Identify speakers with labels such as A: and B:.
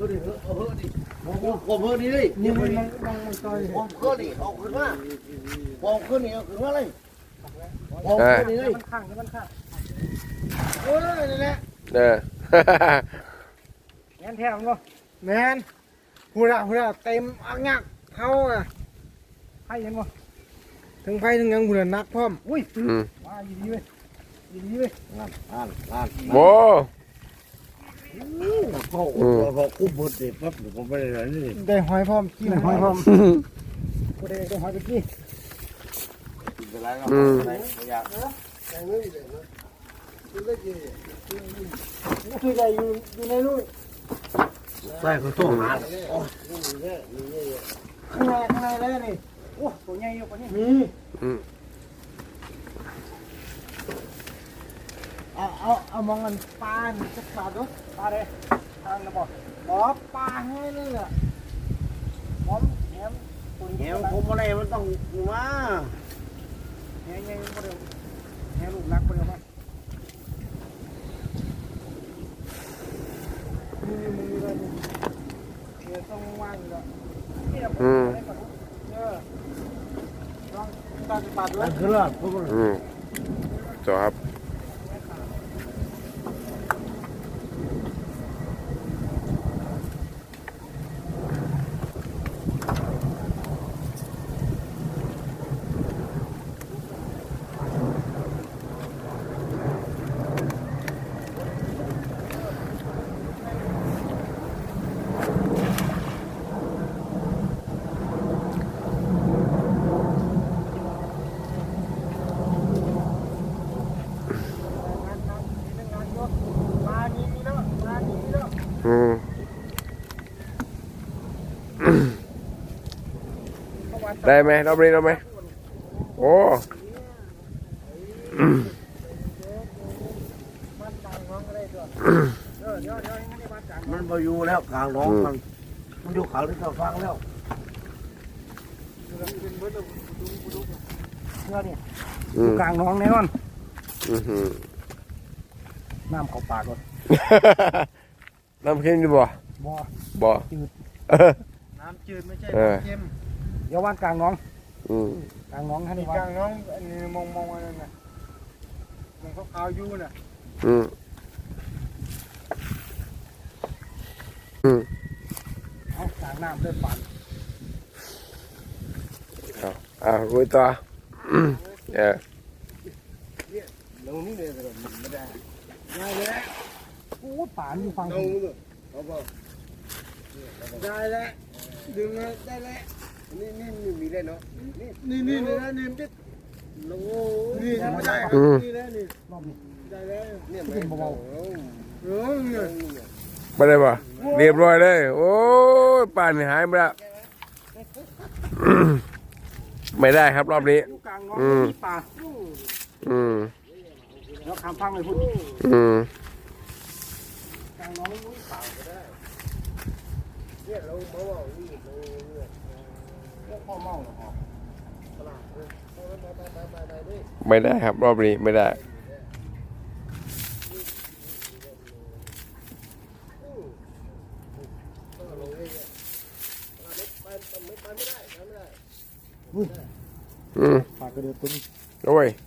A: ดิเอาเฮ้ดิผมเฮ้นี่เลยนี่มันต่อยผมเฮ้นี่เอาขึ้นมาผมขึ้นนี่เอาขึ้นมาเลยผมขึ้นนี่เลยมันข้างโอ้ยนี่แหละ
B: แมนแท้มั้งแมนหูระเต็มอังยักเขาอ่ะไฟยังบ่ถึงไฟถึงยังบุญนักพร้อมอุ้ยว้าดีเว้ย
A: นั่น
C: โบ
A: พอคุ้มหมดเสร็จปั๊บผมไม่ได้เลยนี่
B: ได้หอยพร้อมกินหอยพร้อมกูได้หอยไปกิน
A: กินไปแล้วอะไรอยาก
B: คือใจอยู่ในนู่น
A: ใส่ข้าวต้มหา
B: ข้างในแล้วนี่โอ้ตัวใหญ่อยู่กว่านี้มีเอามองกันปลาจะปลาด้วยปลาเลยทางนะบอกปลาให้เลยอ่ะหอมแหม
A: ผมอะไรมันต้องมา
B: แหมยังไม่เร็วแหมลูกรักไม่เร็วมั้ยมึงอะไรเนี่ยต้องว่างแล้วนี่เราลองตัดปลาด้วย
A: คือละ
C: จบครับได้ไหมรอบนี้ได้ไหมโอ้
A: มันมาอยู่แล้วกลางน้องมันอยู่เขาที่เราฟังแล้ว
B: เนี่ยอยู่กลางน้องแน่นอนน้ำเข้าปากก่อน
C: น้ำเค็มดีบ่บ่
B: จืดน้ำจืดไม่ใช่น้ำเค็มเดี๋ยวว่านกลางน้องกลางน้องให้ดีกลางน้องอันนี้มองอะไรน่ะมันเขาขาวยู่น่ะเอากลางน้ำเดินปั่น
C: คุยต่อ
A: ลงนี่เลยแต่ไม่ได้
B: ได้แล้วโอ้ป่านอยู่ฟังได้แล้วดึงเลยได้แล้ว
A: นี่มีได้เนาะ
B: นี่นะนี่มันจะโอ้นี่ไม่ได้นี่แล้วนี่รอบนี้ได้แล้ว
A: เนี่ย
B: เป็นเบา
C: ไม่ได้ป่ะเรียบร้อยเลยโอ้ยป่านหายไปแล้วไม่ได้ครับรอบนี้
B: กลางน้องมีป่าแล้วคำพังเลยพูดกลางน้องมีป่าก็ได้เนี่ยเราเมานี่เราพ่อเมาหรอ
C: ไม่ได้ครับรอบนี้ไม่ได้
B: ปากกระเดือกตุ้ม
C: โอ้ย